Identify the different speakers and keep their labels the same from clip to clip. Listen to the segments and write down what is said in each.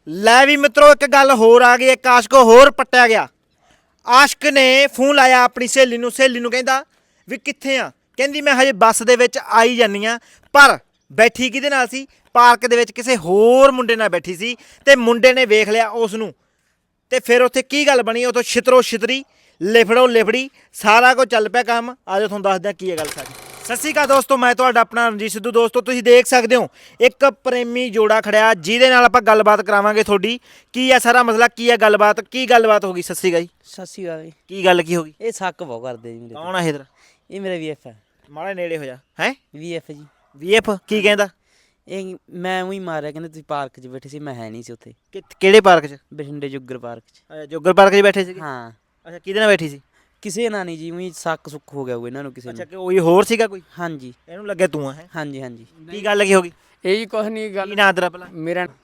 Speaker 1: ਲੈ ਵੀ ਮਿੱਤਰੋ ਇੱਕ ਗੱਲ ਹੋਰ ਆ ਗਈ, ਇੱਕ ਆਸ਼ਕ ਹੋਰ ਪੱਟਿਆ ਗਿਆ। ਆਸ਼ਕ ਨੇ ਫੋਨ ਲਾਇਆ ਆਪਣੀ ਸਹੇਲੀ ਨੂੰ ਕਹਿੰਦਾ ਵੀ ਕਿੱਥੇ ਆ। ਕਹਿੰਦੀ ਮੈਂ ਹਜੇ ਬੱਸ ਦੇ ਵਿੱਚ ਆਈ ਜਾਂਦੀ ਆ। ਪਰ ਬੈਠੀ ਕਿਹਦੇ ਨਾਲ ਸੀ? ਪਾਰਕ ਦੇ ਵਿੱਚ ਕਿਸੇ ਹੋਰ ਮੁੰਡੇ ਨਾਲ ਬੈਠੀ ਸੀ ਤੇ ਮੁੰਡੇ ਨੇ ਵੇਖ ਲਿਆ ਉਸ ਨੂੰ। ਤੇ ਫਿਰ ਉੱਥੇ ਕੀ ਗੱਲ ਬਣੀ, ਉੱਥੋਂ ਛਿਤਰੋ ਛਿਤਰੀ ਲਿਫੜੋ ਲਿਫੜੀ ਸਾਰਾ ਕੁਝ ਚੱਲ ਪਿਆ ਕੰਮ। ਆਜੋ ਤੁਹਾਨੂੰ ਦੱਸਦਾ ਕੀ ਹੈ ਗੱਲ ਸਾਰੀ। ਸਤਿ ਸ਼੍ਰੀ ਅਕਾਲ ਦੋਸਤੋ, ਮੈਂ ਤੁਹਾਡਾ ਆਪਣਾ ਰਣਜੀਤ ਸਿੱਧੂ। ਦੋਸਤੋ ਤੁਸੀਂ ਦੇਖ ਸਕਦੇ ਹੋ ਇੱਕ ਪ੍ਰੇਮੀ ਜੋੜਾ ਖੜਿਆ ਜਿਹਦੇ ਨਾਲ ਆਪਾਂ ਗੱਲਬਾਤ ਕਰਾਵਾਂਗੇ ਤੁਹਾਡੀ। ਕੀ ਹੈ ਸਾਰਾ ਮਸਲਾ, ਕੀ ਹੈ ਗੱਲਬਾਤ, ਕੀ ਗੱਲਬਾਤ ਹੋ ਗਈ? ਸਤਿ ਸ਼੍ਰੀ ਅਕਾਲ ਜੀ।
Speaker 2: ਸਤਿ ਸ਼੍ਰੀ ਅਕਾਲ ਜੀ।
Speaker 1: ਕੀ ਗੱਲ ਕੀ ਹੋ ਗਈ?
Speaker 2: ਇਹ ਸ਼ੱਕ ਬਹੁਤ ਕਰਦੇ ਜੀ ਮੇਰੇ ਤੇ।
Speaker 1: ਕੌਣ ਆ ਇਧਰ?
Speaker 2: ਇਹ ਮੇਰਾ ਵੀਐਫ ਹੈ।
Speaker 1: ਮਾੜਾ ਨੇੜੇ ਹੋ ਜਾ। ਹੈ
Speaker 2: ਵੀਐਫ ਜੀ।
Speaker 1: ਵੀਐਫ ਕੀ ਕਹਿੰਦਾ?
Speaker 2: ਇਹ ਮੈਂ ਉਹੀ ਮਾਰਿਆ, ਕਹਿੰਦੇ ਤੁਸੀਂ ਪਾਰਕ 'ਚ ਬੈਠੇ ਸੀ, ਮੈਂ ਹੈ ਨਹੀਂ ਸੀ ਉੱਥੇ।
Speaker 1: ਕਿਹੜੇ ਪਾਰਕ 'ਚ?
Speaker 2: ਬਠਿੰਡੇ ਜੁੱਗਰ ਪਾਰਕ 'ਚ।
Speaker 1: ਜੋਗਰ ਪਾਰਕ 'ਚ ਬੈਠੇ ਸੀਗੇ?
Speaker 2: ਹਾਂ।
Speaker 1: ਅੱਛਾ, ਕਿਹਦੇ ਨਾਲ ਬੈਠੀ ਸੀ?
Speaker 2: ਕਿਸੇ ਨਾਲ ਨਹੀਂ ਜੀ, ਉਹੀ ਸ਼ੱਕ ਸੁੱਕ ਹੋ ਗਿਆ ਹੋਊ ਇਹਨਾਂ ਨੂੰ ਕਿਸੇ
Speaker 1: ਅੱਛਾ,
Speaker 2: ਨੂੰ।
Speaker 1: ਕਿ ਉਹੀ ਹੋਰ ਸੀਗਾ ਕੋਈ?
Speaker 2: ਹਾਂਜੀ
Speaker 1: ਇਹਨੂੰ ਲੱਗਿਆ ਤੂੰ ਆ? ਹੈ
Speaker 2: ਹਾਂਜੀ ਹਾਂਜੀ।
Speaker 1: ਕੀ ਗੱਲ ਕੀ ਹੋ ਗਈ?
Speaker 3: ਇਹ ਜੀ ਕੁਛ ਨਹੀਂ
Speaker 1: ਕੀ
Speaker 3: ਗੱਲ।
Speaker 1: ਨਾਂ ਤੇਰਾ ਪਹਿਲਾਂ?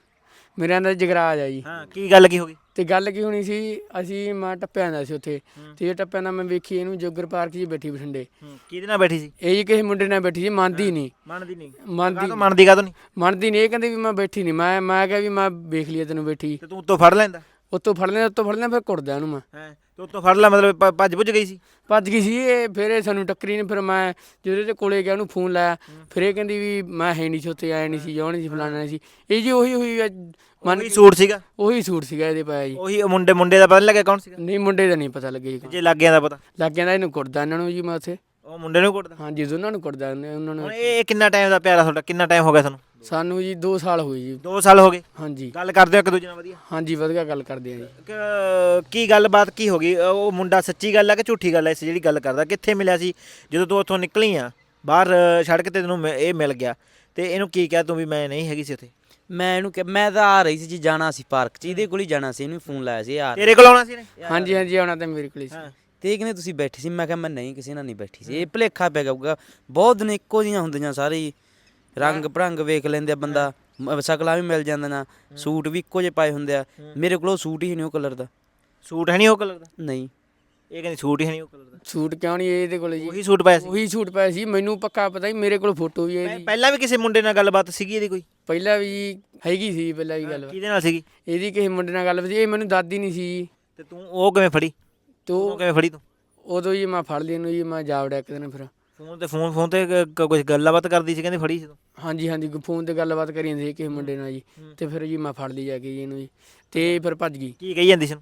Speaker 3: ਮੇਰਾ ਨਾਂ ਜਗਰਾਜ ਆ ਜੀ।
Speaker 1: ਹਾਂ, ਕੀ ਗੱਲ ਕੀ ਹੋ ਗਈ?
Speaker 3: ਤੇ ਗੱਲ ਕੀ ਹੋਣੀ ਸੀ, ਅਸੀਂ ਮੈਂ ਟੱਪਿਆ ਜਾਂਦਾ ਸੀ ਉੱਥੇ। ਤੇ ਇਹ ਟੱਪਿਆ ਨਾਲ ਮੈਂ ਵੇਖੀ ਇਹਨੂੰ ਜੋਗਰ ਪਾਰਕ 'ਚ ਬੈਠੀ ਬਠਿੰਡੇ।
Speaker 1: ਕਿਹਦੇ ਨਾਲ ਬੈਠੀ ਸੀ?
Speaker 3: ਇਹ ਜੀ ਕਿਸੇ ਮੁੰਡੇ ਨਾਲ ਬੈਠੀ ਸੀ, ਮੰਨਦੀ ਨਹੀਂ।
Speaker 1: ਮੰਨਦੀ ਨਹੀਂ?
Speaker 3: ਮੰਨਦੀ
Speaker 1: ਮੰਨਦੀ ਕਾਹਤੋਂ ਨਹੀਂ?
Speaker 3: ਮੰਨਦੀ ਨਹੀਂ। ਇਹ ਕਹਿੰਦੀ ਵੀ ਮੈਂ ਬੈਠੀ ਨਹੀਂ। ਮੈਂ ਕਿਹਾ ਵੀ ਮੈਂ ਵੇਖ ਲਿਆ ਤੈਨੂੰ ਬੈਠੀ।
Speaker 1: ਤੇ ਤੂੰ ਉੱਤੋਂ ਫੜ ਲੈਂਦਾ?
Speaker 3: ਉੱਤੋਂ ਫੜ ਲਿਆ ਫਿਰ ਕੁੱਟਦਾ ਇਹਨੂੰ ਮੈਂ।
Speaker 1: ਹੈ ਤੇ ਉੱਤੋਂ ਫੜ ਲੈ, ਮਤਲਬ ਭੱਜ ਭੁੱਜ ਗਈ ਸੀ?
Speaker 3: ਭੱਜ ਗਈ ਸੀ ਇਹ। ਫਿਰ ਇਹ ਸਾਨੂੰ ਟੱਕਰੀ ਨੇ। ਫਿਰ ਮੈਂ ਜਦੋਂ ਇਹਦੇ ਕੋਲੇ ਗਿਆ ਉਹਨੂੰ ਫੋਨ ਲਾਇਆ। ਫਿਰ ਇਹ ਕਹਿੰਦੀ ਵੀ ਮੈਂ ਹੈ ਨਹੀਂ ਸੀ ਉੱਥੇ, ਆਇਆ ਨਹੀਂ ਸੀ, ਜਾਉਣ ਨਹੀਂ ਸੀ, ਫਲਾਣਾ ਨਹੀਂ ਸੀ। ਇਹ ਜੀ ਉਹੀ
Speaker 1: ਮੰਨ ਸੂਟ ਸੀਗਾ?
Speaker 3: ਉਹੀ ਸੂਟ ਸੀਗਾ ਇਹਦੇ ਪਾਇਆ ਜੀ।
Speaker 1: ਉਹੀ ਮੁੰਡੇ ਦਾ ਪਤਾ ਨਹੀਂ ਲੱਗਿਆ ਕੌਣ ਸੀਗਾ?
Speaker 3: ਨਹੀਂ, ਮੁੰਡੇ ਦਾ ਨਹੀਂ ਪਤਾ ਲੱਗਿਆ ਜੀ।
Speaker 1: ਜੇ ਲੱਗ ਗਿਆ ਦਾ ਪਤਾ
Speaker 3: ਲੱਗ ਜਾਂਦਾ ਇਹਨੂੰ ਕੁੱਟਦਾ ਇਹਨਾਂ ਨੂੰ ਜੀ ਮੈਂ ਉੱਥੇ।
Speaker 1: ਉਹ ਮੁੰਡੇ ਨੂੰ ਕੁੱਟਦਾ?
Speaker 3: ਹਾਂਜੀ, ਦੋਨਾਂ ਨੂੰ ਕੁੱਟਦਾ ਉਹਨਾਂ ਨੂੰ।
Speaker 1: ਹੁਣ ਇਹ ਕਿੰਨਾ ਟਾਈਮ ਦਾ ਪਿਆਰਾ ਤੁਹਾਡਾ? ਕਿੰਨਾ ਟਾਈਮ ਹੋ ਗਿਆ ਤੁਹਾਨੂੰ?
Speaker 3: ਸਾਨੂੰ ਜੀ 2 ਸਾਲ ਹੋਏ ਜੀ।
Speaker 1: 2 ਸਾਲ ਹੋ ਗਏ?
Speaker 3: ਹਾਂਜੀ
Speaker 1: ਗੱਲ ਕਰਦੇ ਹੋ ਇੱਕ ਦੂਜੇ ਨਾਲ ਵਧੀਆ?
Speaker 3: ਹਾਂਜੀ, ਵਧੀਆ ਗੱਲ ਕਰਦੇ ਆ ਜੀ।
Speaker 1: ਕੀ ਗੱਲਬਾਤ ਕੀ ਹੋ ਗਈ? ਉਹ ਮੁੰਡਾ ਸੱਚੀ ਗੱਲ ਹੈ ਕਿ ਝੂਠੀ ਗੱਲ ਹੈ? ਇਸ ਜਿਹੜੀ ਗੱਲ ਕਰਦਾ, ਕਿੱਥੇ ਮਿਲਿਆ ਸੀ ਜਦੋਂ ਤੂੰ ਉੱਥੋਂ ਨਿਕਲੀ ਆ ਬਾਹਰ ਸੜਕ ਤੇ ਤੈਨੂੰ ਇਹ ਮਿਲ ਗਿਆ? ਤੇ ਇਹਨੂੰ ਕੀ ਕਿਹਾ ਤੂੰ ਵੀ ਮੈਂ ਨਹੀਂ ਹੈਗੀ ਸੀ ਉੱਥੇ?
Speaker 2: ਮੈਂ ਇਹਨੂੰ ਕਿਹਾ, ਮੈਂ ਤਾਂ ਆ ਰਹੀ ਸੀ ਜੀ, ਜਾਣਾ ਸੀ ਪਾਰਕ 'ਚ, ਇਹਦੇ ਕੋਲ ਹੀ ਜਾਣਾ ਸੀ। ਇਹਨੂੰ ਫੋਨ ਲਾਇਆ ਸੀ ਯਾਰ।
Speaker 1: ਤੇਰੇ ਕੋਲ ਆਉਣਾ ਸੀ ਨੇ?
Speaker 3: ਹਾਂਜੀ ਹਾਂਜੀ, ਆਉਣਾ ਤਾਂ ਮੇਰੇ ਕੋਲ ਹੀ ਸੀ।
Speaker 2: ਤੇ ਇਹ ਕਹਿੰਦੇ ਤੁਸੀਂ ਬੈਠੇ ਸੀ। ਮੈਂ ਕਿਹਾ ਮੈਂ ਨਹੀਂ, ਕਿਸੇ ਨਾਲ ਨਹੀਂ ਬੈਠੀ ਸੀ। ਇਹ ਭੁਲੇਖਾ ਪੈ ਗਿਆ। ਬਹੁਤ ਦਿਨ ਇੱਕੋ ਜਿਹੀਆਂ ਹੁੰਦੀਆਂ ਸਾਰੇ ਹੀ। ਰੰਗ ਭਰੰਗ ਵੇਖ ਲੈਂਦੇ ਆ ਬੰਦਾ, ਸ਼ਕਲਾਂ ਵੀ ਮਿਲ ਜਾਂਦੀਆਂ, ਸੂਟ ਵੀ ਇੱਕੋ ਜਿਹੇ ਪਾਏ ਹੁੰਦੇ ਆ। ਮੇਰੇ ਕੋਲ ਉਹ ਸੂਟ ਹੀ ਨਹੀਂ ਉਹ ਕਲਰ ਦਾ।
Speaker 1: ਸੂਟ ਹੈ ਨਹੀਂ ਉਹ ਕਲਰ ਦਾ?
Speaker 2: ਨਹੀਂ।
Speaker 1: ਇਹ ਕਹਿੰਦੀ ਸੂਟ ਹੀ ਨਹੀਂ ਉਹ ਕਲਰ ਦਾ।
Speaker 3: ਸੂਟ ਕਿਉਂ ਨਹੀਂ ਇਹਦੇ ਕੋਲ ਜੀ?
Speaker 1: ਉਹੀ ਸੂਟ ਪਾਇਆ ਸੀ?
Speaker 3: ਉਹੀ ਸੂਟ ਪਾਇਆ ਸੀ। ਮੈਨੂੰ ਪੱਕਾ ਪਤਾ ਹੀ, ਮੇਰੇ ਕੋਲ ਫੋਟੋ ਵੀ ਹੈ ਇਹਦੀ।
Speaker 1: ਪਹਿਲਾਂ ਵੀ ਕਿਸੇ ਮੁੰਡੇ ਨਾਲ ਗੱਲਬਾਤ ਸੀਗੀ ਇਹਦੀ ਕੋਈ?
Speaker 3: ਪਹਿਲਾਂ ਵੀ ਹੈਗੀ ਸੀ, ਪਹਿਲਾਂ ਵੀ ਗੱਲ।
Speaker 1: ਕਿਹਦੇ ਨਾਲ ਸੀਗੀ
Speaker 3: ਇਹਦੀ ਕਿਸੇ ਮੁੰਡੇ ਨਾਲ ਗੱਲ ਸੀ। ਇਹ ਮੈਨੂੰ ਦਾਦੀ ਨਹੀਂ ਸੀ।
Speaker 1: ਤੇ ਤੂੰ ਉਹ ਕਿਵੇਂ ਫੜੀ?
Speaker 3: ਤੋ
Speaker 1: ਕਿਵੇਂ ਫੜੀ ਤੂੰ?
Speaker 3: ਉਦੋਂ ਜੀ ਮੈਂ ਫੜ ਲਈ ਇਹਨੂੰ ਜੀ। ਮੈਂ ਜਾ ਵੜਿਆ ਇੱਕ ਦਿਨ। ਫਿਰ
Speaker 1: ਫੋਨ ਤੇ ਕੁਝ ਗੱਲਬਾਤ ਕਰਦੀ ਸੀ ਕਹਿੰਦੇ, ਫੜੀ ਸੀ ਤੂੰ?
Speaker 3: ਹਾਂਜੀ ਹਾਂਜੀ, ਫੋਨ ਤੇ ਗੱਲਬਾਤ ਕਰੀ ਜਾਂਦੀ ਸੀ ਕਿਸੇ ਮੁੰਡੇ ਨਾਲ ਜੀ। ਤੇ ਫਿਰ ਜੀ ਮੈਂ ਫੜ ਲਈ ਜਾ ਕੇ ਜੀ ਇਹਨੂੰ ਜੀ। ਤੇ ਫਿਰ ਭੱਜ ਗਈ।
Speaker 1: ਕੀ ਕਹੀ ਜਾਂਦੀ ਸੀ?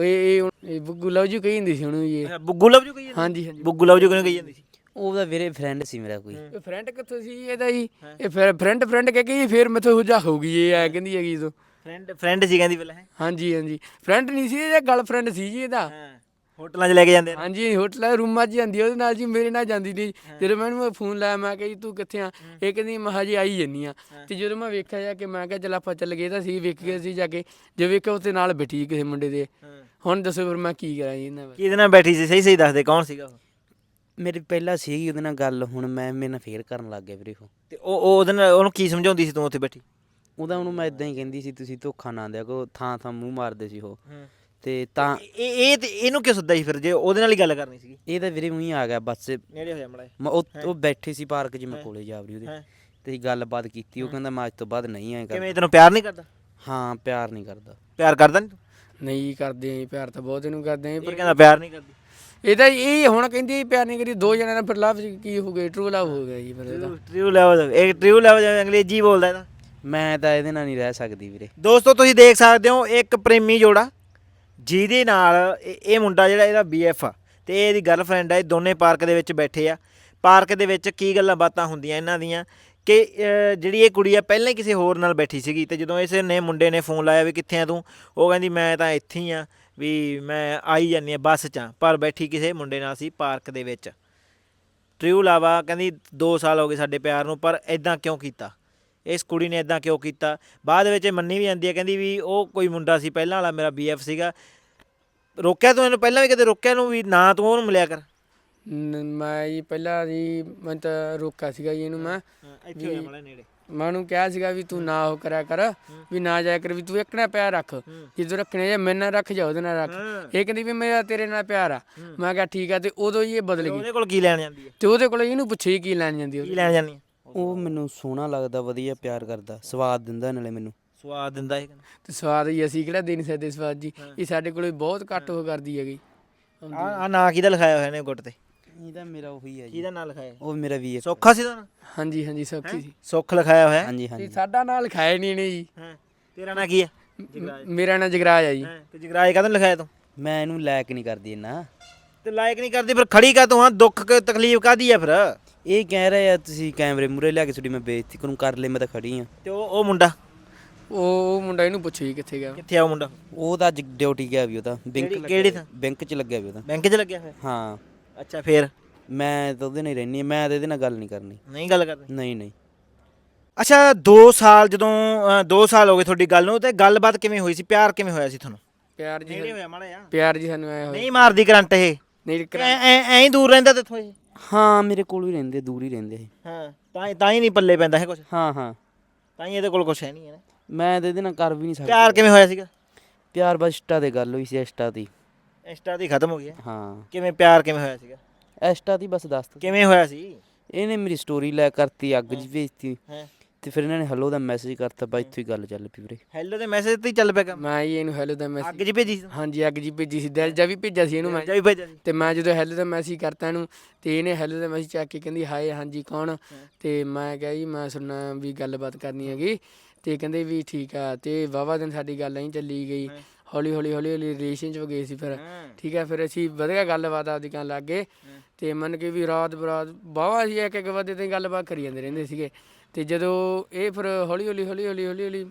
Speaker 3: ਇਹ ਬੁੱਗੂ ਲਵ ਜੂ ਕਹੀ ਜਾਂਦੀ ਸੀ ਉਹਨੂੰ ਜੀ।
Speaker 1: ਬੁੱਗੂ ਲਵ ਜੂ ਕਹੀ ਜਾਂਦੀ?
Speaker 3: ਹਾਂਜੀ ਹਾਂਜੀ।
Speaker 1: ਬੁੱਗੂ ਲਵ ਜੂ ਕਿਉਂ ਕਹੀ ਜਾਂਦੀ ਸੀ?
Speaker 2: ਉਹਦਾ ਵੀਰੇ ਫਰੈਂਡ ਸੀ ਮੇਰਾ ਕੋਈ।
Speaker 3: ਇਹ ਫਰੈਂਡ ਕਿੱਥੋਂ ਸੀ ਇਹਦਾ ਜੀ? ਇਹ ਫਿਰ ਫਰੈਂਡ ਕਹਿ ਕੇ ਫਿਰ ਮੈਥੋਂ ਹੁਜਾ ਹੋ ਗਈ। ਇਹ ਐ ਕਹਿੰਦੀ ਹੈਗੀ ਤੂੰ।
Speaker 1: ਫਰੈਂਡ ਸੀ ਕਹਿੰਦੀ ਪਹਿਲਾਂ? ਹੈ
Speaker 3: ਹਾਂਜੀ ਹਾਂਜੀ, ਫਰੈਂਡ ਨਹੀਂ ਸੀ ਇਹ, ਗਰਲਫ੍ਰੈਂਡ ਸੀ ਜੀ ਇਹਦਾ।
Speaker 1: ਹੋਟਲਾਂ 'ਚ ਲੈ ਕੇ ਜਾਂਦੇ ਆ?
Speaker 3: ਹਾਂਜੀ, ਹੋਟਲਾਂ ਰੂਮਾਂ 'ਚ ਜਾਂਦੀ ਉਹਦੇ ਨਾਲ ਜੀ, ਮੇਰੇ ਨਾਲ ਜਾਂਦੀ ਨਹੀਂ। ਜਦੋਂ ਮੈਂ ਇਹਨੂੰ ਫੋਨ ਲਾਇਆ, ਮੈਂ ਕਿਹਾ ਜੀ ਤੂੰ ਕਿੱਥੇ ਆ? ਇਹ ਕਹਿੰਦੀ ਮੈਂ ਹਜੇ ਆਈ ਜਾਂਦੀ ਆ। ਤੇ ਜਦੋਂ ਮੈਂ ਵੇਖਿਆ ਜਾ ਕੇ, ਮੈਂ ਕਿਹਾ ਚੱਲ ਆਪਾਂ ਚੱਲ ਗਏ ਤਾਂ ਸੀ। ਵੇਖ ਗਏ ਸੀ ਜਾ ਕੇ, ਜੇ ਵੇਖਿਆ ਉੱਥੇ ਨਾਲ ਬੈਠੀ ਕਿਸੇ ਮੁੰਡੇ ਦੇ। ਹੁਣ ਦੱਸੋ ਫਿਰ ਮੈਂ ਕੀ ਕਰਾਂ ਜੀ ਇਹਨਾਂ?
Speaker 1: ਕਿਹਦੇ ਨਾਲ ਬੈਠੀ ਸੀ? ਸਹੀ ਦੱਸ ਦੇ, ਕੌਣ ਸੀਗਾ ਉਹ?
Speaker 2: ਮੇਰੀ ਪਹਿਲਾਂ ਸੀਗੀ ਉਹਦੇ ਨਾਲ ਗੱਲ, ਹੁਣ ਮੇਰੇ ਨਾਲ ਫੇਰ ਕਰਨ ਲੱਗ ਗਿਆ ਵੀਰੇ ਉਹ।
Speaker 1: ਤੇ ਉਹ ਉਹਦੇ ਨਾਲ ਉਹਨੂੰ ਕੀ ਸਮਝਾਉਂਦੀ ਸੀ ਤੂੰ ਉੱਥੇ ਬੈਠੀ?
Speaker 2: ਉਹਨੂੰ ਮੈਂ ਇਦਾਂ ਹੀ ਕਹਿੰਦੀ ਸੀ ਤੁਸੀਂ ਧੋਖਾ ਨਾ ਦਿਆ ਕਰੋ, ਥਾਂ ਮੂੰਹ ਮਾਰਦੇ ਸੀ ਉਹ। ਤੇ ਤਾਂ
Speaker 1: ਇਹ ਤੇ ਇਹਨੂੰ ਕਿਉਂ ਸੱਦਾ ਸੀ ਫਿਰ, ਜੇ ਉਹਦੇ ਨਾਲ ਹੀ ਗੱਲ ਕਰਨੀ ਸੀਗੀ?
Speaker 2: ਇਹ ਤਾਂ ਵੀਰੇ ਉਹੀ ਆ ਗਿਆ ਬੱਸ।
Speaker 1: ਨੇੜੇ ਹੋ ਜਾ ਮੜਾ।
Speaker 2: ਉਹ ਬੈਠੇ ਸੀ ਪਾਰਕ 'ਚ, ਮੈਂ ਕੋਲੇ ਜਾ ਵੜੀ ਉਹਦੇ। ਤੇ ਗੱਲਬਾਤ ਕੀਤੀ। ਉਹ ਕਹਿੰਦਾ ਮੈਂ ਅੱਜ ਤੋਂ ਬਾਅਦ ਨਹੀਂ ਆਏਗਾ।
Speaker 1: ਕਿਵੇਂ, ਤੈਨੂੰ ਪਿਆਰ ਨਹੀਂ ਕਰਦਾ?
Speaker 2: ਹਾਂ, ਪਿਆਰ ਨਹੀਂ ਕਰਦਾ।
Speaker 1: ਪਿਆਰ ਕਰਦਾ ਨਹੀਂ ਤੂੰ?
Speaker 3: ਨਹੀਂ ਕਰਦੇ ਆ ਪਿਆਰ ਤਾਂ ਬਹੁਤ ਇਹਨੂੰ ਕਰਦੇ ਆ।
Speaker 1: ਪਰ ਕਹਿੰਦਾ ਪਿਆਰ ਨਹੀਂ ਕਰਦੀ।
Speaker 3: ਇਹ ਤਾਂ ਇਹ ਹੁਣ ਕਹਿੰਦੀ ਪਿਆਰ ਨਹੀਂ ਕਰੀ। 2 ਜਣਿਆਂ ਨਾਲ ਫਿਰ ਲਵ ਕੀ ਹੋ ਗਿਆ? ਟਰੂ ਲਵ ਹੋ ਗਿਆ ਜੀ ਫਿਰ ਇਹਦਾ।
Speaker 1: ਟਰੂ ਲਵ ਅੰਗਰੇਜ਼ੀ ਬੋਲਦਾ ਇਹਦਾ।
Speaker 2: ਮੈਂ ਤਾਂ ਇਹਦੇ ਨਾਲ ਨਹੀਂ ਰਹਿ ਸਕਦੀ ਵੀਰੇ।
Speaker 1: ਦੋਸਤੋ ਤੁਸੀਂ ਦੇਖ ਸਕਦੇ ਹੋ ਇੱਕ ਪ੍ਰੇਮੀ ਜੋੜਾ ਜਿਹਦੇ ਨਾਲ ਇਹ ਮੁੰਡਾ ਜਿਹੜਾ ਇਹਦਾ BF ਆ ਤੇ ਇਹਦੀ ਗਰਲਫ੍ਰੈਂਡ ਆ। ਇਹ ਦੋਨੇ ਪਾਰਕ ਦੇ ਵਿੱਚ ਬੈਠੇ ਆ। ਪਾਰਕ ਦੇ ਵਿੱਚ ਕੀ ਗੱਲਾਂ ਬਾਤਾਂ ਹੁੰਦੀਆਂ ਇਹਨਾਂ ਦੀਆਂ ਕਿ ਜਿਹੜੀ ਇਹ ਕੁੜੀ ਆ ਪਹਿਲਾਂ ਹੀ ਕਿਸੇ ਹੋਰ ਨਾਲ ਬੈਠੀ ਸੀਗੀ। ਤੇ ਜਦੋਂ ਇਸ ਨੇ ਮੁੰਡੇ ਨੇ ਫੋਨ ਲਾਇਆ ਵੀ ਕਿੱਥੇ ਆ ਤੂੰ, ਉਹ ਕਹਿੰਦੀ ਮੈਂ ਤਾਂ ਇੱਥੇ ਹੀ ਆ, ਵੀ ਮੈਂ ਆਈ ਜਾਂਦੀ ਹਾਂ ਬੱਸ 'ਚ, ਪਰ ਬੈਠੀ ਕਿਸੇ ਮੁੰਡੇ ਨਾਲ ਸੀ ਪਾਰਕ ਦੇ ਵਿੱਚ। ਟਰੂ ਲਵ ਆ। ਕਹਿੰਦੀ 2 ਸਾਲ ਹੋ ਗਏ ਸਾਡੇ ਪਿਆਰ ਨੂੰ, ਪਰ ਇੱਦਾਂ ਕਿਉਂ ਕੀਤਾ? ਇਸ ਕੁੜੀ ਨੇ ਇੱਦਾਂ ਕਿਉਂ ਕੀਤਾ? ਬਾਅਦ ਵਿੱਚ ਇਹ ਮੰਨੀ ਵੀ ਜਾਂਦੀ ਹੈ, ਕਹਿੰਦੀ ਵੀ ਉਹ ਕੋਈ ਮੁੰਡਾ ਸੀ ਪਹਿਲਾਂ ਵਾਲਾ, ਮੇਰਾ BF ਸੀਗਾ। ਰੋਕਿਆ ਤੂੰ ਇਹਨੂੰ ਪਹਿਲਾਂ ਵੀ ਕਦੇ? ਰੋਕਿਆ ਨੂੰ ਵੀ ਨਾ ਤੂੰ ਉਹਨੂੰ ਮਿਲਿਆ ਕਰ?
Speaker 3: ਮੈਂ ਜੀ ਪਹਿਲਾਂ ਜੀ ਮੈਂ ਤਾਂ ਰੋਕਿਆ ਸੀਗਾ ਜੀ ਇਹਨੂੰ। ਮੈਂ
Speaker 1: ਇੱਥੇ ਹੋਇਆ ਮਾੜਾ ਨੇੜੇ।
Speaker 3: ਮੈਂ ਉਹਨੂੰ ਕਿਹਾ ਸੀਗਾ ਵੀ ਤੂੰ ਨਾ ਉਹ ਕਰਿਆ ਕਰ, ਵੀ ਨਾ ਜਾਇਆ ਕਰ, ਵੀ ਤੂੰ ਇੱਕ ਨਾਲ ਪਿਆਰ ਰੱਖ। ਜਦੋਂ ਰੱਖਣੇ ਜਾਂ ਮੇਰੇ ਨਾਲ ਰੱਖ ਜਾਂ ਉਹਦੇ ਨਾਲ ਰੱਖ। ਇਹ ਕਹਿੰਦੀ ਵੀ ਮੇਰਾ ਤੇਰੇ ਨਾਲ ਪਿਆਰ ਆ। ਮੈਂ ਕਿਹਾ ਠੀਕ ਆ। ਤੇ ਉਦੋਂ ਹੀ ਇਹ ਬਦਲ ਗਈ।
Speaker 1: ਉਹਦੇ ਕੋਲ ਕੀ ਲੈਣ ਜਾਂਦੀ ਹੈ?
Speaker 3: ਤੇ ਉਹਦੇ ਕੋਲ ਇਹਨੂੰ ਪੁੱਛੇ ਕੀ ਲੈਣ ਜਾਂਦੀ?
Speaker 1: ਕੀ ਲੈਣ ਜਾਂਦੀ?
Speaker 2: ਉਹ ਮੈਨੂੰ ਸੋਹਣਾ ਲੱਗਦਾ, ਵਧੀਆ ਪਿਆਰ ਕਰਦਾ, ਸਵਾਦ ਦਿੰਦਾ ਨਾਲੇ ਮੈਨੂੰ।
Speaker 1: ਸਵਾਦ ਦਿੰਦਾ ਇਹ
Speaker 3: ਤੇ ਸਵਾਦ ਜੀ ਅਸੀਂ ਕਿਹੜਾ ਦੇ ਨਹੀਂ ਸਕਦੇ ਸਵਾਦ ਜੀ, ਇਹ ਸਾਡੇ ਕੋਲੇ ਬਹੁਤ ਘੱਟ ਉਹ ਕਰਦੀ ਹੈਗੀ।
Speaker 1: ਆ ਨਾਂ ਕਿਹਦਾ ਲਿਖਾਇਆ ਹੋਇਆ ਨੇ ਗੁੱਟ ਤੇ?
Speaker 2: ਇਹਦਾ ਮੇਰਾ ਉਹੀ ਹੈ ਜੀ,
Speaker 1: ਕਿਹਦਾ ਨਾਂ ਲਿਖਾਇਆ?
Speaker 2: ਉਹ ਮੇਰਾ ਵੀ
Speaker 1: ਸੌਖਾ ਸੀ ਦਾ ਨਾਂ?
Speaker 3: ਹਾਂਜੀ ਹਾਂਜੀ ਸੌਖੀ ਸੀ।
Speaker 1: ਸੁੱਖ ਲਿਖਾਇਆ ਹੋਇਆ?
Speaker 2: ਹਾਂਜੀ
Speaker 3: ਤੇ
Speaker 2: ਹਾਂਜੀ।
Speaker 3: ਸਾਡਾ ਨਾਂ ਲਿਖਾਇਆ ਨਹੀਂ ਇਹਨੇ ਜੀ।
Speaker 1: ਹਾਂ ਤੇਰਾ ਨਾਂ ਕੀ ਹੈ?
Speaker 3: ਮੇਰਾ ਨਾਂ ਜਗਰਾਜ ਆ ਜੀ।
Speaker 1: ਤੇ ਜਗਰਾਜ ਕਾਹਦੋਂ ਲਿਖਾਇਆ ਤੂੰ?
Speaker 2: ਮੈਂ ਇਹਨੂੰ ਲਾਇਕ ਨਹੀਂ ਕਰਦੀ ਇੰਨਾ।
Speaker 1: ਤੇ ਲਾਇਕ ਨਹੀਂ ਕਰਦੀ ਫਿਰ ਖੜੀ ਕਾ ਤੂੰ? ਹਾਂ ਦੁੱਖ ਤਕਲੀਫ ਕਾਹਦੀ ਆ ਫਿਰ?
Speaker 2: ਇਹ ਕਹਿ ਰਹੇ ਆ ਤੁਸੀਂ ਕੈਮਰੇ ਮੂਰੇ ਲਿਆ ਕੇ ਤੁਹਾਡੀ ਮੈਂ ਬੇਇੱਜ਼ਤੀ ਕਰੂੰ, ਕਰ ਲੈ ਮੈਂ ਤਾਂ ਖੜੀ ਆ।
Speaker 1: ਤੇ ਉਹ ਮੁੰਡਾ
Speaker 3: ਉਹ ਮੁੰਡਾ ਇਹਨੂੰ ਪੁੱਛੋ ਜੀ ਕਿੱਥੇ ਗਿਆ।
Speaker 1: ਕਿੱਥੇ ਆ ਉਹ ਮੁੰਡਾ?
Speaker 2: ਉਹ ਤਾਂ ਅੱਜ ਡਿਊਟੀ ਗਿਆ ਵੀ, ਉਹਦਾ
Speaker 1: ਕਿਹੜੀ ਥਾਂ?
Speaker 2: ਬੈਂਕ 'ਚ ਲੱਗਿਆ ਵੀ ਉਹਦਾ।
Speaker 1: ਬੈਂਕ 'ਚ ਲੱਗਿਆ ਹੋਇਆ?
Speaker 2: ਹਾਂ।
Speaker 1: ਅੱਛਾ ਫੇਰ?
Speaker 2: ਮੈਂ ਤਾਂ ਉਹਦੇ ਨਾਲ ਹੀ ਰਹਿੰਦੀ ਹਾਂ, ਮੈਂ ਤਾਂ ਇਹਦੇ ਨਾਲ ਗੱਲ ਨਹੀਂ ਕਰਨੀ।
Speaker 1: ਨਹੀਂ ਗੱਲ ਕਰਦੇ?
Speaker 2: ਨਹੀਂ ਨਹੀਂ।
Speaker 1: ਅੱਛਾ 2 ਸਾਲ ਜਦੋਂ 2 ਸਾਲ ਹੋ ਗਏ ਤੁਹਾਡੀ ਗੱਲ ਨੂੰ, ਤੇ ਗੱਲਬਾਤ ਕਿਵੇਂ ਹੋਈ ਸੀ? ਪਿਆਰ ਕਿਵੇਂ ਹੋਇਆ ਸੀ ਤੁਹਾਨੂੰ?
Speaker 3: ਪਿਆਰ ਜੀ
Speaker 1: ਨੇੜੇ ਹੋਇਆ ਮਾੜਾ ਜਿਹਾ?
Speaker 3: ਪਿਆਰ ਜੀ ਸਾਨੂੰ ਆਇਆ ਹੋਇਆ
Speaker 1: ਨਹੀਂ ਮਾਰਦੀ ਕਰੰਟ ਇਹ?
Speaker 3: ਨਹੀਂ
Speaker 1: ਐਂ ਹੀ ਦੂਰ ਰਹਿੰਦਾ ਤੇਥੋਂ ਇਹ?
Speaker 2: ਹਾਂ ਮੇਰੇ ਕੋਲ ਹੀ ਰਹਿੰਦੇ, ਦੂਰ ਹੀ ਰਹਿੰਦੇ ਇਹ।
Speaker 1: ਹਾਂ ਤਾਂ ਹੀ ਨਹੀਂ ਪੱਲੇ ਪੈਂਦਾ ਹੈ ਕੁਝ?
Speaker 2: ਹਾਂ ਹਾਂ।
Speaker 1: ਤਾਂ ਹੀ ਇਹਦੇ ਕੋਲ ਕੁਝ ਹੈ ਨਹੀਂ ਹੈ ਨਾ।
Speaker 2: ਮੈਂ ਤਾਂ ਇਹਦੇ ਨਾਲ ਕਰ ਵੀ ਨਹੀਂ ਸਕਦਾ।
Speaker 1: ਪਿਆਰ ਕਿਵੇਂ ਹੋਇਆ ਸੀਗਾ?
Speaker 2: ਪਿਆਰ ਬਸ ਇੰਸਟਾ ਤੇ ਗੱਲ ਹੋਈ ਸੀ, ਇੰਸਟਾ ਤੇ।
Speaker 1: ਇੰਸਟਾ ਦੀ ਖਤਮ ਹੋ ਗਿਆ?
Speaker 2: ਹਾਂ
Speaker 1: ਕਿਵੇਂ ਪਿਆਰ ਕਿਵੇਂ ਹੋਇਆ ਸੀਗਾ?
Speaker 2: ਇੰਸਟਾ ਤੇ ਬਸ ਦੱਸ ਤਾ।
Speaker 1: ਕਿਵੇਂ ਹੋਇਆ ਸੀ?
Speaker 2: ਇਹਨੇ ਮੇਰੀ ਸਟੋਰੀ ਲੈ ਕਰਤੀ, ਅੱਗ ਜੀ ਭੇਜਤੀ,
Speaker 1: ਹਾਂ
Speaker 2: ਤੇ ਫਿਰ ਇਹਨਾਂ ਨੇ ਹੈਲੋ ਦਾ ਮੈਸੇਜ ਕਰਤਾ, ਬਾ ਇੱਥੋਂ ਹੀ ਗੱਲ ਚੱਲ ਪਈ ਵੀਰੇ।
Speaker 1: ਹੈਲੋ ਦੇ ਮੈਸੇਜ ਤੇ ਹੀ ਚੱਲ ਪਿਆ ਕੰਮ?
Speaker 3: ਮੈਂ ਜੀ ਇਹਨੂੰ ਹੈਲੋ ਦਾ
Speaker 1: ਅੱਗ
Speaker 3: ਮੈਸੇਜ,
Speaker 1: 'ਚ ਭੇਜੀ ਸੀ?
Speaker 3: ਹਾਂਜੀ ਅੱਗ ਜੀ ਭੇਜੀ ਸੀ, ਦਿਲ ਜਾ ਵੀ ਭੇਜਿਆ ਸੀ ਇਹਨੂੰ ਮੈਂ।
Speaker 1: ਜਾ ਵੀ ਭੇਜਿਆ ਸੀ?
Speaker 3: ਤੇ ਮੈਂ ਜਦੋਂ ਹੈਲੋ ਦਾ ਮੈਸੇਜ ਕਰਤਾ ਇਹਨੂੰ, ਤੇ ਇਹਨੇ ਹੈਲੋ ਦਾ ਮੈਸੇਜ ਚੱਕ ਕੇ ਕਹਿੰਦੀ ਹਾਏ ਹਾਂਜੀ ਕੌਣ? ਤੇ ਮੈਂ ਕਿਹਾ ਜੀ ਮੈਂ ਸੁਣਨਾ ਵੀ ਗੱਲਬਾਤ ਕਰਨੀ ਹੈਗੀ। ਤੇ ਕਹਿੰਦੇ ਵੀ ਠੀਕ ਆ। ਤੇ ਵਾਹਵਾ ਦਿਨ ਸਾਡੀ ਗੱਲ ਐਂ ਚੱਲੀ ਗਈ, ਹੌਲੀ ਹੌਲੀ ਰਿਲੇਸ਼ਨ 'ਚ ਗਏ ਸੀ ਫਿਰ। ਠੀਕ ਹੈ ਫਿਰ ਅਸੀਂ ਵਧੀਆ ਗੱਲਬਾਤ ਆਪਦੀ ਕਰਨ ਲੱਗ ਗਏ। ਤੇ ਮੰਨ ਕੇ ਵੀ ਰਾਤ ਬਰਾਤ ਵਾਹਵਾ ਅਸੀਂ ਇੱਕ ਵਜੇ ਤਾਈਂ ਗੱਲਬਾਤ ਕਰੀ ਜਾਂਦੇ ਰਹਿੰਦੇ ਸੀਗੇ। ਤੇ ਜਦੋਂ ਇਹ ਫਿਰ ਹੌਲੀ ਹੌਲੀ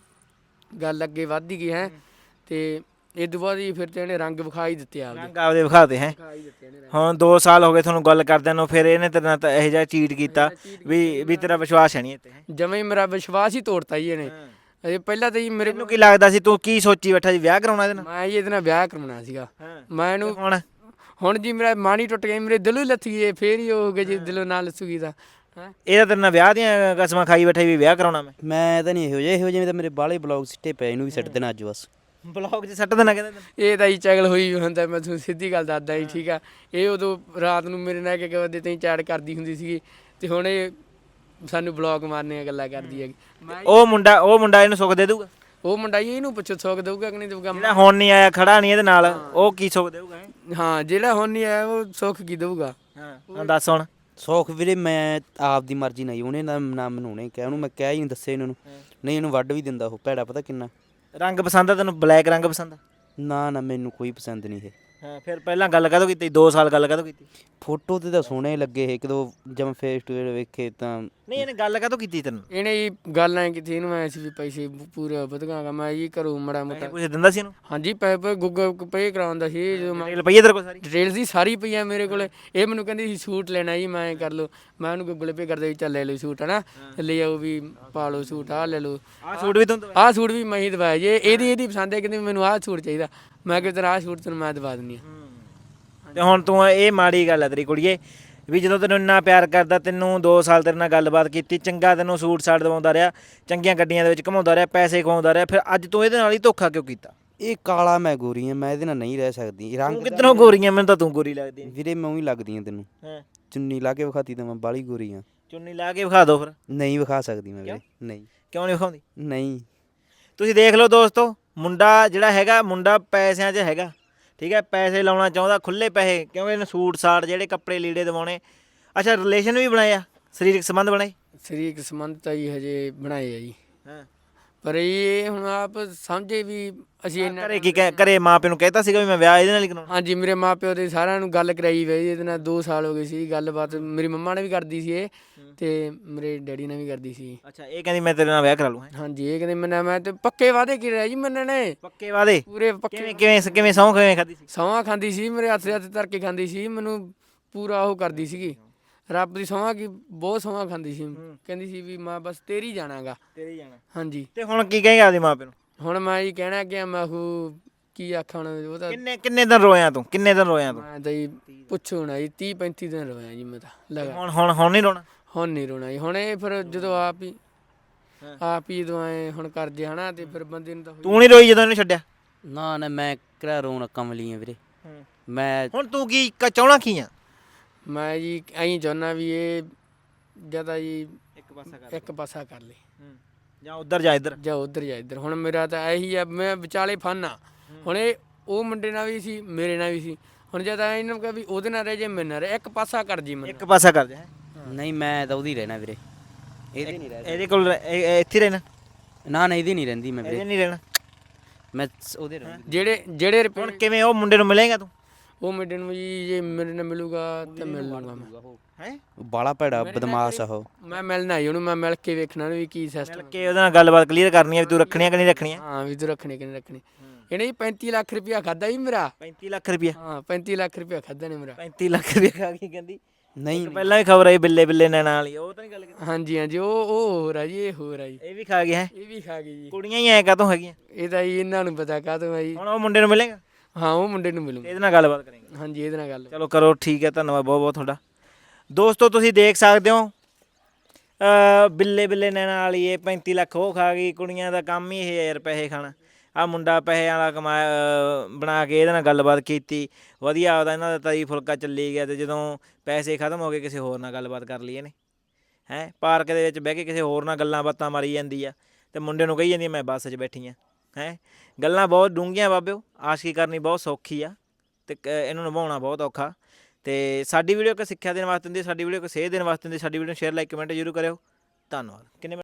Speaker 3: ਗੱਲ ਅੱਗੇ ਵੱਧਦੀ ਗਈ ਹੈ। ਤੇ ਇਹ ਤੋਂ ਬਾਅਦ ਹੀ ਫਿਰ ਤੇ ਇਹਨੇ ਰੰਗ ਵਿਖਾਈ ਦਿੱਤੇ ਆਪਦੇ।
Speaker 1: ਰੰਗ ਆਪਦੇ ਵਿਖਾਤੇ ਹੈ? ਹੁਣ 2 ਸਾਲ ਹੋ ਗਏ ਤੁਹਾਨੂੰ ਗੱਲ ਕਰਦਿਆਂ ਨੂੰ, ਫਿਰ ਇਹਨੇ ਤੇਰੇ ਨਾਲ ਤਾਂ ਇਹੋ ਜਿਹਾ ਚੀਟ ਕੀਤਾ ਵੀ ਤੇਰਾ ਵਿਸ਼ਵਾਸ ਹੈ ਨਹੀਂ ਇੱਥੇ?
Speaker 3: ਜਮਾਂ ਹੀ ਮੇਰਾ ਵਿਸ਼ਵਾਸ ਹੀ ਤੋੜਤਾ ਜੀ ਇਹਨੇ। ਅਜੇ ਪਹਿਲਾਂ ਤਾਂ ਜੀ ਮੇਰੇ
Speaker 1: ਮੈਨੂੰ ਕੀ ਲੱਗਦਾ ਸੀ ਤੂੰ ਕੀ ਸੋਚੀ ਬੈਠਾ ਸੀ? ਵਿਆਹ ਕਰਾਉਣਾ ਇਹਦੇ ਨਾਲ?
Speaker 3: ਮੈਂ ਜੀ ਇਹਦੇ ਨਾਲ ਵਿਆਹ ਕਰਵਾਉਣਾ ਸੀਗਾ। ਮੈਂ ਇਹਨੂੰ
Speaker 1: ਹੁਣ
Speaker 3: ਜੀ ਮੇਰਾ ਮਨ ਹੀ ਟੁੱਟ ਗਿਆ, ਮੇਰੇ ਦਿਲੋਂ ਹੀ ਲੱਥ ਗਈ, ਫੇਰ ਹੀ ਹੋ ਗਿਆ ਜੀ ਦਿਲੋਂ ਨਾ ਲੱਥੂਗੀ ਤਾਂ।
Speaker 1: ਇਹਦਾ ਤੇਰੇ ਨਾਲ ਵਿਆਹ ਦੀਆਂ ਕਸਮਾਂ ਖਾਈ ਬੈਠਾ ਵੀ ਵਿਆਹ ਕਰਾਉਣਾ
Speaker 2: ਮੈਂ ਤਾਂ ਨਹੀਂ ਇਹੋ ਜਿਹੇ ਤਾਂ ਮੇਰੇ ਬਾਹਲੇ ਬਲੌਗ ਸਿੱਟੇ ਪਏ, ਇਹਨੂੰ ਵੀ ਸਿੱਟ ਦੇਣਾ ਅੱਜ ਬਸ।
Speaker 1: ਬਲੌਗ 'ਚ ਸੱਟ ਦੇਣਾ ਕਹਿੰਦਾ?
Speaker 3: ਇਹ ਤਾਂ ਜੀ ਚਗਲ ਹੋਈ ਹੁੰਦਾ, ਮੈਂ ਤੁਹਾਨੂੰ ਸਿੱਧੀ ਗੱਲ ਦੱਸਦਾ ਜੀ। ਠੀਕ ਆ, ਇਹ ਉਦੋਂ ਰਾਤ ਨੂੰ ਮੇਰੇ ਨਾਲ ਇੱਕ ਵਜੇ ਤਾਈਂ ਚੈਟ ਕਰਦੀ ਹੁੰਦੀ ਸੀਗੀ, ਤੇ ਹੁਣ ਇਹ ਸਾਨੂੰ ਬਲੌਗ ਮਾਰਨੇ ਦੀਆਂ ਗੱਲਾਂ ਕਰਦੀ ਹੈਗੀ।
Speaker 1: ਉਹ ਮੁੰਡਾ ਇਹਨੂੰ ਸੁੱਖ ਦੇ ਦੂਗਾ?
Speaker 3: ਉਹ ਮੁੰਡਾ ਜੀ ਇਹਨੂੰ ਪੁੱਛੋ ਸੁੱਖ ਦੇਊਗਾ ਕਿ ਨਹੀਂ ਦੇਊਗਾ?
Speaker 1: ਜਿਹੜਾ ਹੁਣ ਨਹੀਂ ਆਇਆ, ਖੜਾ ਨਹੀਂ ਇਹਦੇ ਨਾਲ, ਉਹ ਕੀ ਸੁੱਖ ਦੇਊਗਾ?
Speaker 3: ਹਾਂ ਜਿਹੜਾ ਹੁਣ ਨਹੀਂ ਆਇਆ ਉਹ ਸੁੱਖ ਕੀ ਦੇਊਗਾ?
Speaker 1: ਹਾਂ ਦੱਸ ਹੁਣ।
Speaker 2: ਸੌਖ ਵੀਰੇ ਮੈਂ ਆਪ ਦੀ ਮਰਜ਼ੀ ਨਹੀਂ, ਉਹਨੇ ਨਾ ਮੈਨੂੰ ਉਹਨੇ ਕਿਹਾ, ਉਹਨੂੰ ਮੈਂ ਕਿਹਾ ਹੀ ਨਹੀਂ, ਦੱਸੇ ਇਹਨਾਂ ਨੂੰ। ਨਹੀਂ ਇਹਨੂੰ ਵੱਢ ਵੀ ਦਿੰਦਾ ਉਹ ਭੈੜਾ, ਪਤਾ ਕਿੰਨਾ।
Speaker 1: ਰੰਗ ਪਸੰਦ ਆ ਤੈਨੂੰ? ਬਲੈਕ ਰੰਗ ਪਸੰਦ ਆ?
Speaker 2: ਨਾ ਨਾ ਮੈਨੂੰ ਕੋਈ ਪਸੰਦ ਨਹੀਂ ਇਹ।
Speaker 1: ਹਾਂ ਫਿਰ ਪਹਿਲਾਂ ਗੱਲ ਕਾਹਤੋਂ ਕੀਤੀ? 2 ਸਾਲ ਗੱਲ ਕਾਹਤੋਂ ਕੀਤੀ?
Speaker 2: ਫੋਟੋ ਤੇ ਤਾਂ ਸੋਹਣੇ ਲੱਗੇ ਇਹ, ਕਦੋਂ ਜਦ ਫੇਸ ਟੂ ਫੇਸ ਵੇਖੇ ਤਾਂ।
Speaker 1: ਨਹੀਂ ਇਹਨੇ ਗੱਲ ਕਾਹਤੋਂ ਕੀਤੀ ਤੈਨੂੰ?
Speaker 3: ਇਹਨੇ ਜੀ ਗੱਲ ਐਂ ਕੀਤੀ, ਇਹਨੂੰ ਐਂ ਸੀ ਵੀ ਪੈਸੇ ਪੂਰੇ ਵਧਗਾ ਮੈਂ ਜੀ ਘਰੋਂ ਮੜਾ ਮੋਟਾ।
Speaker 1: ਕੁਝ ਦਿੰਦਾ ਸੀ ਇਹਨੂੰ?
Speaker 3: ਹਾਂਜੀ ਪੈਸੇ ਗੂਗਲ ਪੇ ਕਰਾਉਂਦਾ ਸੀ। ਜਦੋਂ ਮੈਂ
Speaker 1: ਰੁਪਈਏ ਤੇਰੇ ਕੋਲ ਸਾਰੀ?
Speaker 3: ਡਿਟੇਲਸ ਦੀ ਸਾਰੀ ਪਈ ਆ ਮੇਰੇ ਕੋਲ। ਇਹ ਮੈਨੂੰ ਕਹਿੰਦੀ ਸੀ ਸੂਟ ਲੈਣਾ ਜੀ, ਮੈਂ ਕਰ ਲਓ। ਮੈਂ ਉਹਨੂੰ ਗੂਗਲ ਪੇ ਕਰਦਾ ਵੀ ਚੱਲ ਲੈ ਲਓ ਸੂਟ, ਹੈ ਨਾ, ਲੈ ਆਓ ਵੀ ਪਾ ਲਓ ਸੂਟ, ਆਹ ਲੈ ਲਓ।
Speaker 1: ਆਹ ਸੂਟ ਵੀ ਤੂੰ?
Speaker 3: ਆਹ ਸੂਟ ਵੀ ਮੈਂ ਹੀ ਦਵਾਇਆ ਜੀ। ਇਹਦੀ ਪਸੰਦ ਹੈ, ਕਹਿੰਦੀ ਮੈਨੂੰ ਆਹ ਸੂਟ ਚਾਹੀਦਾ। ਮੈਂ ਕਿਹਾ ਤੇਰਾ ਆਹ ਸੂਟ ਤੈਨੂੰ ਮੈਂ ਦਵਾ ਦਿੰਦੀ ਹਾਂ।
Speaker 1: ਤੇ ਹੁਣ ਤੂੰ ਇਹ ਮਾੜੀ ਗੱਲ ਹੈ ਤੇਰੀ ਕੁੜੀਏ, ਵੀ ਜਦੋਂ ਤੈਨੂੰ ਇੰਨਾ ਪਿਆਰ ਕਰਦਾ, ਤੈਨੂੰ 2 ਸਾਲ ਤੇਰੇ ਨਾਲ ਗੱਲਬਾਤ ਕੀਤੀ, ਚੰਗਾ ਤੈਨੂੰ ਸੂਟ ਸਾਟ ਦਵਾਉਂਦਾ ਰਿਹਾ, ਚੰਗੀਆਂ ਗੱਡੀਆਂ ਦੇ ਵਿੱਚ ਘੁਮਾਉਂਦਾ ਰਿਹਾ, ਪੈਸੇ ਖਵਾਉਂਦਾ ਰਿਹਾ, ਫਿਰ ਅੱਜ ਤੂੰ ਇਹਦੇ ਨਾਲ ਹੀ ਧੋਖਾ ਕਿਉਂ ਕੀਤਾ?
Speaker 2: ਇਹ ਕਾਲਾ ਮੈਂ ਗੋਰੀ ਆ, ਮੈਂ ਇਹਦੇ ਨਾਲ ਨਹੀਂ ਰਹਿ ਸਕਦੀ।
Speaker 1: ਤੂੰ ਕਿੱਧਰੋਂ ਗੋਰੀ ਆ? ਮੈਨੂੰ ਤਾਂ ਤੂੰ ਗੋਰੀ ਲੱਗਦੀ।
Speaker 2: ਵੀਰੇ ਮੈਂ ਉਹੀ ਲੱਗਦੀ ਆ ਤੈਨੂੰ।
Speaker 1: ਹਾਂ
Speaker 2: ਚੁੰਨੀ ਲਾ ਕੇ ਵਿਖਾਤੀ ਤਾਂ ਮੈਂ ਬਾਹਲੀ ਗੋਰੀ ਆ।
Speaker 1: ਚੁੰਨੀ ਲਾ ਕੇ ਵਿਖਾ ਦਿਓ ਫਿਰ।
Speaker 2: ਨਹੀਂ ਵਿਖਾ ਸਕਦੀ ਮੈਂ ਵੀਰੇ, ਨਹੀਂ।
Speaker 1: ਕਿਉਂ ਨਹੀਂ ਵਿਖਾਉਂਦੀ?
Speaker 2: ਨਹੀਂ।
Speaker 1: ਤੁਸੀਂ ਦੇਖ ਲਓ ਦੋਸਤੋ, ਮੁੰਡਾ ਜਿਹੜਾ ਹੈਗਾ, ਮੁੰਡਾ ਪੈਸਿਆਂ 'ਚ ਹੈਗਾ, ਠੀਕ ਹੈ, ਪੈਸੇ ਲਾਉਣਾ ਚਾਹੁੰਦਾ, ਖੁੱਲੇ ਪੈਸੇ, ਕਿਉਂਕਿ ਇਹਨੂੰ ਸੂਟ ਸਾਟ ਜਿਹੜੇ ਕੱਪੜੇ ਲੀੜੇ ਦਿਵਾਉਣੇ। ਅੱਛਾ ਰਿਲੇਸ਼ਨ ਵੀ ਬਣਾਏ ਆ, ਸਰੀਰਕ ਸੰਬੰਧ ਬਣਾਏ?
Speaker 3: ਸਰੀਰਕ ਸੰਬੰਧ ਤਾਂ ਜੀ ਹਜੇ ਬਣਾਏ ਆ ਜੀ,
Speaker 1: ਹਾਂ।
Speaker 3: ਪਰ ਇਹ ਹੁਣ ਆਪ ਸਮਝੇ ਵੀ ਅਸੀਂ
Speaker 1: ਘਰੇ ਕੀ ਘਰੇ ਮਾਂ ਪਿਓ ਨੂੰ ਕਹਿਤਾ ਸੀਗਾ ਵੀ ਮੈਂ ਵਿਆਹ ਇਹਦੇ ਨਾਲ ਹੀ ਕਰਾਉਣਾ?
Speaker 3: ਹਾਂਜੀ ਮੇਰੇ ਮਾਪਿਓ ਦੇ ਸਾਰਿਆਂ ਨੂੰ ਗੱਲ ਕਰਾਈ ਵੇ ਇਹਦੇ ਨਾਲ। 2 ਸਾਲ ਹੋ ਗਏ ਸੀ ਗੱਲਬਾਤ, ਮੇਰੀ ਮੰਮਾ ਨੇ ਵੀ ਕਰਦੀ ਸੀ ਇਹ, ਤੇ ਮੇਰੇ ਡੈਡੀ ਨੇ ਵੀ ਕਰਦੀ ਸੀ।
Speaker 1: ਅੱਛਾ ਇਹ ਕਹਿੰਦੀ ਮੈਂ ਤੇਰੇ ਨਾਲ ਵਿਆਹ ਕਰਾ ਲੂੰ?
Speaker 3: ਹਾਂਜੀ ਇਹ ਕਹਿੰਦੇ ਮੈਂ ਤੇ ਪੱਕੇ ਵਾਅਦੇ ਕੀ ਰਿਹਾ ਜੀ ਮੰਨਣੇ,
Speaker 1: ਪੱਕੇ ਵਾਅਦੇ?
Speaker 3: ਪੂਰੇ ਪੱਕੇ।
Speaker 1: ਕਿਵੇਂ ਸਹੁੰ ਕਿਵੇਂ ਖਾਧੀ ਸੀ?
Speaker 3: ਸਹੁੰ ਖਾਂਦੀ ਸੀ, ਮੇਰੇ ਹੱਥ ਧਰ ਕੇ ਖਾਂਦੀ ਸੀ, ਮੈਨੂੰ ਪੂਰਾ ਉਹ ਕਰਦੀ ਸੀਗੀ, ਰੱਬ ਦੀ ਸਹੁੰ ਕੀ ਬਹੁਤ ਸਹੁੰ ਖਾਂਦੀ ਸੀ। ਕਹਿੰਦੀ ਸੀ ਵੀ ਮੈਂ ਬਸ ਤੇਰੀ ਜਾਣਾਗਾ,
Speaker 1: ਤੇਰੀ ਜਾਣਾ।
Speaker 3: ਹਾਂਜੀ।
Speaker 1: ਤੇ ਹੁਣ ਕੀ ਕਹੇਗਾ ਆਪਦੇ ਮਾਂ ਪਿਓ ਨੂੰ?
Speaker 3: ਹੁਣ ਮੈਂ ਜੀ ਕਹਿਣਾ ਕਿ ਮੈਂ ਉਹ ਕੀ ਆਖਾਂ ਹੁਣ, ਉਹ ਤਾਂ
Speaker 1: ਕਿੰਨੇ ਦਿਨ ਰੋਇਆ ਤੂੰ? ਕਿੰਨੇ ਦਿਨ ਰੋਇਆ ਤੂੰ?
Speaker 3: ਮੈਂ ਤਾਂ ਜੀ ਪੁੱਛੋ ਨਾ ਜੀ, 30-35 ਦਿਨ ਰੋਇਆ ਜੀ ਮੈਂ ਤਾਂ ਲਗਾ।
Speaker 1: ਹੁਣ ਨਹੀਂ ਰੋਣਾ?
Speaker 3: ਹੁਣ ਨਹੀਂ ਰੋਣਾ ਜੀ। ਹੁਣ ਇਹ ਫਿਰ ਜਦੋਂ ਆਪ ਹੀ ਦਵਾਏ ਹੁਣ ਕਰ ਜੇ, ਹਨਾ, ਤੇ ਫਿਰ ਬੰਦੇ ਨੂੰ ਤਾਂ
Speaker 1: ਤੂੰ ਨਹੀਂ ਰੋਈ ਜਦੋਂ ਇਹਨੂੰ ਛੱਡਿਆ?
Speaker 2: ਨਾ ਨਾ ਮੈਂ ਕਿਹੜਾ ਰੋਣ ਕਮਲੀ ਆ ਵੀਰੇ। ਮੈਂ
Speaker 1: ਹੁਣ ਤੂੰ ਕੀ ਚਾਹਣਾ ਕੀ ਆ?
Speaker 3: ਮੈਂ ਜੀ ਐਂ ਚਾਹੁੰਦਾ ਵੀ ਇਹ ਜਿਆਦਾ ਜੀ
Speaker 1: ਇੱਕ ਪਾਸਾ
Speaker 3: ਇੱਕ ਪਾਸਾ ਕਰ ਲੇ,
Speaker 1: ਜਾਂ ਉੱਧਰ ਜਾਂ ਇੱਧਰ।
Speaker 3: ਜਾਂ ਉੱਧਰ ਜਾਂ ਇੱਧਰ। ਹੁਣ ਮੇਰਾ ਤਾਂ ਇਹੀ ਆ, ਮੈਂ ਵਿਚਾਲੇ ਫਨ ਆ। ਹੁਣ ਇਹ ਉਹ ਮੁੰਡੇ ਨਾਲ ਵੀ ਸੀ, ਮੇਰੇ ਨਾਲ ਵੀ ਸੀ। ਹੁਣ ਜਦ ਇਹਨੂੰ ਕਿਹਾ ਵੀ ਉਹਦੇ ਨਾਲ ਰਹਿ ਜੇ ਮੇਰੇ ਨਾਲ ਰਹਿ, ਇੱਕ ਪਾਸਾ ਕਰ ਜੀ ਮੈਨੂੰ।
Speaker 1: ਇੱਕ ਪਾਸਾ ਕਰ ਜਾ।
Speaker 2: ਨਹੀਂ ਮੈਂ ਤਾਂ ਉਹਦੀ ਰਹਿਣਾ ਵੀਰੇ, ਇਹਦੇ ਨਹੀਂ ਰਹਿਣਾ।
Speaker 1: ਇਹਦੇ ਕੋਲ ਇੱਥੇ ਰਹਿਣਾ?
Speaker 2: ਨਾ ਨਾ ਇਹਦੀ ਨਹੀਂ ਰਹਿੰਦੀ ਮੈਂ
Speaker 1: ਇਹਦੇ
Speaker 2: ਵੀਰੇ,
Speaker 1: ਨਹੀਂ ਰਹਿਣਾ।
Speaker 2: ਮੈਂ ਉਹਦੇ ਰਹੂੰਗੀ।
Speaker 3: ਜਿਹੜੇ ਰੁਪਏ
Speaker 1: ਹੁਣ ਕਿਵੇਂ ਉਹ ਮੁੰਡੇ ਨੂੰ ਮਿਲੇਗਾ ਤੂੰ?
Speaker 3: ਉਹ ਮੁੰਡੇ ਨੂੰ ਜੀ ਜੇ ਮੇਰੇ ਨਾਲ ਮਿਲੂਗਾ ਤਾਂ ਮਿਲ ਲੂੰਗਾ ਮੈਂ।
Speaker 1: ਹੈ
Speaker 2: ਬਾਲਾ ਭੈੜਾ ਬਦਮਾਸ਼ ਆ ਉਹ।
Speaker 3: ਮੈਂ ਮਿਲਣਾ ਹੀ ਉਹਨੂੰ, ਮੈਂ ਮਿਲ ਕੇ ਵੇਖਣਾ ਵੀ ਕੀ
Speaker 1: ਮਿਲ
Speaker 3: ਸਿਸਟਮ।
Speaker 1: ਕੇ ਉਹਦੇ ਨਾਲ ਗੱਲਬਾਤ ਕਲੀਅਰ ਕਰਨੀ ਹੈ ਵੀ ਤੂੰ ਰੱਖਣੀ ਹੈ ਕਿ ਨਹੀਂ ਰੱਖਣੀ ਹੈ।
Speaker 3: ਹਾਂ ਵੀ ਤੂੰ ਰੱਖਣੇ ਕਿ ਨਹੀਂ ਰੱਖਣੇ। ਇਹਨੇ ਜੀ 35 ਲੱਖ ਰੁਪਇਆ ਖਾਦਾ ਜੀ ਮੇਰਾ।
Speaker 1: 35 ਲੱਖ ਰੁਪਇਆ?
Speaker 3: ਹਾਂ 35 ਲੱਖ ਰੁਪਇਆ ਖਾਦਾ ਨੇ ਮੇਰਾ।
Speaker 1: 35 ਲੱਖ ਰੁਪਇਆ ਖਾ ਗਈ ਕਹਿੰਦੀ।
Speaker 2: ਨਹੀਂ
Speaker 1: ਪਹਿਲਾਂ ਵੀ ਖਬਰ ਆਈ ਬਿੱਲੇ ਬਿੱਲੇ ਨੈਣਾ ਵਾਲੀ, ਉਹ ਤਾਂ ਨਹੀਂ ਗੱਲ ਕੀਤੀ?
Speaker 3: ਹਾਂਜੀ ਹਾਂਜੀ, ਉਹ ਹੋਰ ਆ ਜੀ, ਇਹ ਹੋਰ ਆ ਜੀ।
Speaker 1: ਇਹ ਵੀ ਖਾ ਗਿਆ ਹੈ?
Speaker 3: ਇਹ ਵੀ ਖਾ ਗਈ ਜੀ।
Speaker 1: ਕੁੜੀਆਂ ਹੀ ਐ ਕਾਹਤੋਂ ਹੈਗੀਆਂ?
Speaker 3: ਇਹ ਤਾਂ ਜੀ ਇਹਨਾਂ ਨੂੰ ਪਤਾ ਕਾਹਤੋਂ ਆ ਜੀ।
Speaker 1: ਹੁਣ ਉਹ ਮੁੰਡੇ ਨੂੰ ਮਿਲੇਗਾ?
Speaker 3: ਹਾਂ ਉਹ ਮੁੰਡੇ ਨੂੰ ਮਿਲੂ।
Speaker 1: ਇਹਦੇ ਨਾਲ ਗੱਲਬਾਤ ਕਰਾਂਗੇ।
Speaker 3: ਹਾਂਜੀ ਇਹਦੇ ਨਾਲ ਗੱਲ।
Speaker 1: ਚਲੋ ਕਰੋ, ਠੀਕ ਹੈ, ਧੰਨਵਾਦ ਬਹੁਤ ਬਹੁਤ ਤੁਹਾਡਾ। ਦੋਸਤੋ ਤੁਸੀਂ ਦੇਖ ਸਕਦੇ ਹੋ ਬਿੱਲੇ ਬਿੱਲੇ ਨੈਣਾ ਵਾਲੀ, ਇਹ 35 ਲੱਖ ਉਹ ਖਾ ਗਈ। ਕੁੜੀਆਂ ਦਾ ਕੰਮ ਹੀ ਇਹ ਯਾਰ ਪੈਸੇ ਖਾਣਾ। ਆ ਮੁੰਡਾ ਪੈਸੇ ਵਾਲਾ ਕਮਾਇਆ ਬਣਾ ਕੇ ਇਹਦੇ ਨਾਲ ਗੱਲਬਾਤ ਕੀਤੀ, ਵਧੀਆ ਆਪਦਾ ਇਹਨਾਂ ਦਾ ਤਰੀ ਫੁਲਕਾ ਚੱਲੀ ਗਿਆ। ਤੇ ਜਦੋਂ ਪੈਸੇ ਖਤਮ ਹੋ ਗਏ ਕਿਸੇ ਹੋਰ ਨਾਲ ਗੱਲਬਾਤ ਕਰ ਲਈ ਇਹਨੇ। ਹੈਂ ਪਾਰਕ ਦੇ ਵਿੱਚ ਬਹਿ ਕੇ ਕਿਸੇ ਹੋਰ ਨਾਲ ਗੱਲਾਂ ਬਾਤਾਂ ਮਾਰੀ ਜਾਂਦੀ ਆ, ਤੇ ਮੁੰਡੇ ਨੂੰ ਕਹੀ ਜਾਂਦੀ ਮੈਂ ਬੱਸ 'ਚ ਬੈਠੀ ਹਾਂ। ਹੈਂ ਗੱਲਾਂ ਬਹੁਤ ਡੂੰਘੀਆਂ ਬਾਬਿਓ, ਆਸ਼ਕੀ ਕਰਨੀ ਬਹੁਤ ਸੌਖੀ ਆ ਤੇ ਇਹਨੂੰ ਨਿਭਾਉਣਾ ਬਹੁਤ ਔਖਾ। ਤੇ ਸਾਡੀ ਵੀਡੀਓ ਇੱਕ ਸਿੱਖਿਆ ਦੇਣ ਵਾਸਤੇ ਹੁੰਦੀ, ਸਾਡੀ ਵੀਡੀਓ ਇੱਕ ਸੇਧ ਦੇਣ ਵਾਸਤੇ ਹੁੰਦੀ। ਸਾਡੀ ਵੀਡੀਓ ਨੂੰ ਸ਼ੇਅਰ, ਲਾਈਕ, ਕਮੈਂਟ ਜ਼ਰੂਰ ਕਰਿਓ। ਧੰਨਵਾਦ। ਕਿੰਨੇ